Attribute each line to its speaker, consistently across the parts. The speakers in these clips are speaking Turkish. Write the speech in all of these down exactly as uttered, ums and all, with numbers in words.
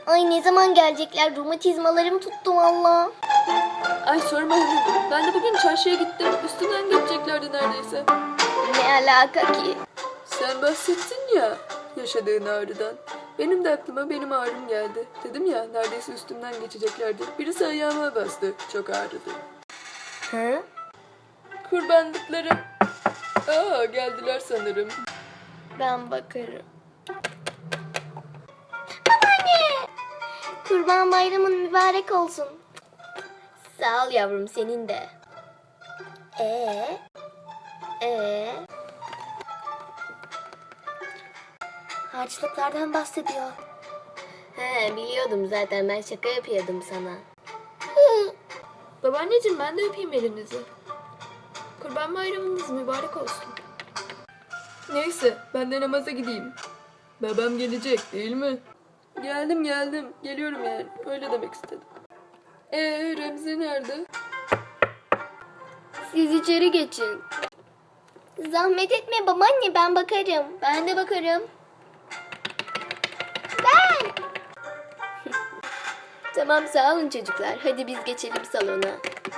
Speaker 1: Ay ne zaman gelecekler? Romatizmalarım tuttu valla.
Speaker 2: Ay sorma hanım. Ben de bugün çarşıya gittim. Üstünden geçeceklerdi neredeyse.
Speaker 1: Ne alaka ki?
Speaker 2: Sen bahsettin ya yaşadığın ağrıdan. Benim de aklıma benim ağrım geldi. Dedim ya neredeyse üstümden geçeceklerdi. Birisi ayağıma bastı. Çok ağrıdı.
Speaker 1: Hı?
Speaker 2: Kurbanlıkları. Aa geldiler sanırım.
Speaker 1: Ben bakarım. Babaanne! Kurban bayramın mübarek olsun. Sağ ol yavrum, senin de. Ee? Ee? Harçlıklardan bahsediyor. He biliyordum zaten, ben şaka yapıyordum sana.
Speaker 2: Babaanneciğim ben de öpeyim elinizi. Kurban bayramınız mübarek olsun. Neyse ben de namaza gideyim. Babam gelecek değil mi? Geldim geldim. Geliyorum yani. Öyle demek istedim. Ee Remzi nerede?
Speaker 1: Siz içeri geçin. Zahmet etme babaanne, ben bakarım. Ben de bakarım. Ben. Tamam sağ olun çocuklar. Hadi biz geçelim salona.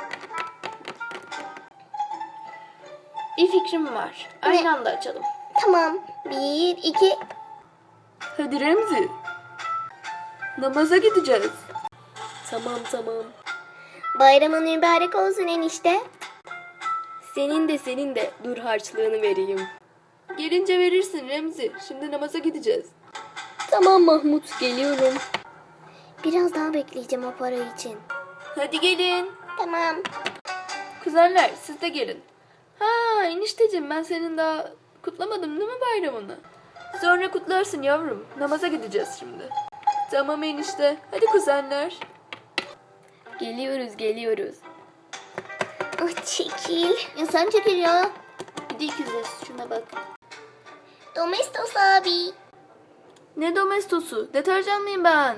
Speaker 2: Bir fikrim var. Aynı anda açalım.
Speaker 1: Tamam. Bir, iki.
Speaker 2: Hadi Remzi. Namaza gideceğiz.
Speaker 1: Tamam tamam. Bayramın mübarek olsun enişte. Senin de senin de. Dur harçlığını vereyim.
Speaker 2: Gelince verirsin Remzi. Şimdi namaza gideceğiz.
Speaker 1: Tamam Mahmut, geliyorum. Biraz daha bekleyeceğim o para için.
Speaker 2: Hadi gelin.
Speaker 1: Tamam.
Speaker 2: Kuzenler siz de gelin. Ha enişteciğim ben senin daha kutlamadım değil mi bayramını? Sonra kutlarsın yavrum. Namaza gideceğiz şimdi. Tamam enişte. Hadi kuzenler.
Speaker 1: Geliyoruz geliyoruz. Ah çekil. Ya sen çekil ya.
Speaker 2: Bir de ikizler şuna bak.
Speaker 1: Domestos abi.
Speaker 2: Ne domestosu? Deterjan mıyım ben?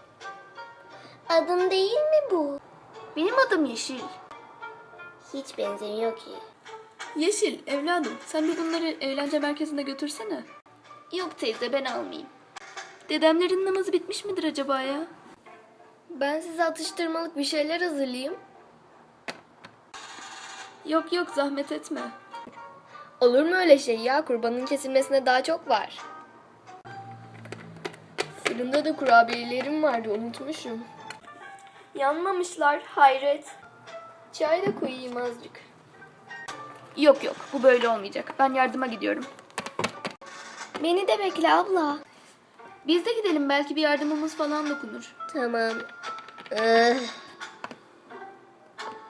Speaker 1: Adın değil mi bu?
Speaker 2: Benim adım Yeşil.
Speaker 1: Hiç benzemiyor ki.
Speaker 2: Yeşil evladım sen de bunları eğlence merkezine götürsene.
Speaker 1: Yok teyze, ben almayayım.
Speaker 2: Dedemlerin namazı bitmiş midir acaba ya?
Speaker 1: Ben size atıştırmalık bir şeyler hazırlayayım.
Speaker 2: Yok yok zahmet etme.
Speaker 1: Olur mu öyle şey ya? Kurbanın kesilmesine daha çok var. Fırında da kurabiyelerim vardı, unutmuşum.
Speaker 2: Yanmamışlar hayret.
Speaker 1: Çay da koyayım azıcık.
Speaker 2: Yok yok bu böyle olmayacak. Ben yardıma gidiyorum.
Speaker 1: Beni de bekle abla.
Speaker 2: Biz de gidelim belki bir yardımımız falan dokunur.
Speaker 1: Tamam. Ah.